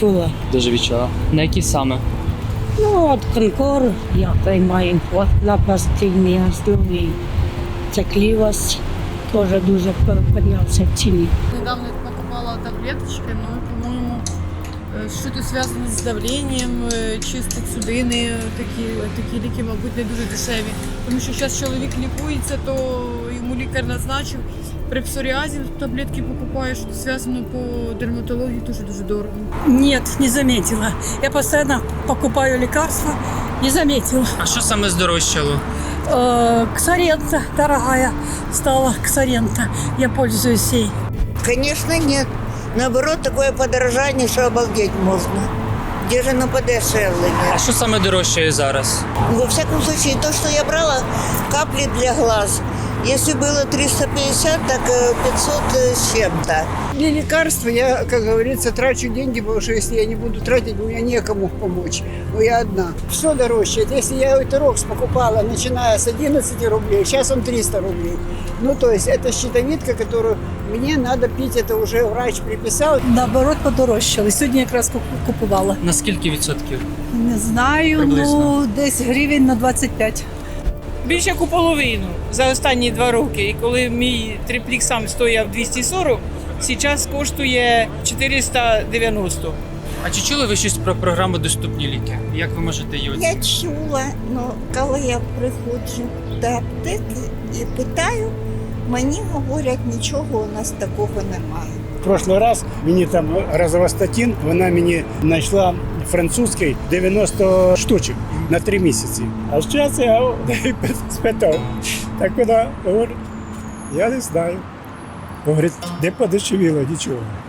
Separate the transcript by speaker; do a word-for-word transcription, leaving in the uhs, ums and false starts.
Speaker 1: відчула.
Speaker 2: Дуже відчула. На які саме?
Speaker 1: Ну, от конкор я приймаю на постійні основі. Цеклівость теж дуже піднявся в ціні.
Speaker 3: Недавно покупала таблеточки, но, по-моему, э, что-то связано с давлением, э, чистить судини, такі, такі ліки, мабуть, не дуже дешеві. Тому що зараз чоловік лікується, то йому лікар назначив при псоріазі таблетки покупає, що зв'язано по дерматології, дуже-дуже дорого.
Speaker 4: Нет, не заметила. Я постоянно покупаю лекарства, не заметила.
Speaker 2: А що саме здорожчало?
Speaker 4: Э, Ксарента дорогая стала, Ксарента. Я пользуюсь ей.
Speaker 5: Конечно, нет. Наоборот, такое подорожание, что обалдеть можно. Где же оно подешевление?
Speaker 2: А що саме дорожчає зараз?
Speaker 5: Во всяком случае, то, что я брала, капли для глаз. Если было триста пятьдесят, так э, пятьсот с чем-то.
Speaker 6: Для лекарства я, как говорится, трачу деньги, потому что если я не буду тратить, у меня некому помочь. Но я одна. Все дороже. Если я Этерокс покупала, начиная с одиннадцати рублей, сейчас он триста рублей. Ну, то есть это щитовидка, которую мне надо пить, это уже врач приписал.
Speaker 4: Наоборот, подорожчали. Сьогодні якраз куп- купувала.
Speaker 2: На скільки відсотків?
Speaker 4: Не знаю,
Speaker 2: Приблизно.
Speaker 4: ну десь гривень на двадцять п'ять.
Speaker 7: Більше як у половину за останні два роки. І коли мій триплік сам стояв двісті сорок, зараз коштує чотириста дев'яносто.
Speaker 2: А чи чули ви щось про програму «Доступні ліки»? Як ви можете її оцінити?
Speaker 5: Я чула, но коли я приходжу до аптеки і питаю, мені говорять, нічого у нас такого немає.
Speaker 8: В прошлый раз мені там розовостатин, вона мені знайшла французький дев'яносто штучок на три місяці. А зараз я спитав, так вона говорить, я не знаю. Говорить, де подешевіло, нічого.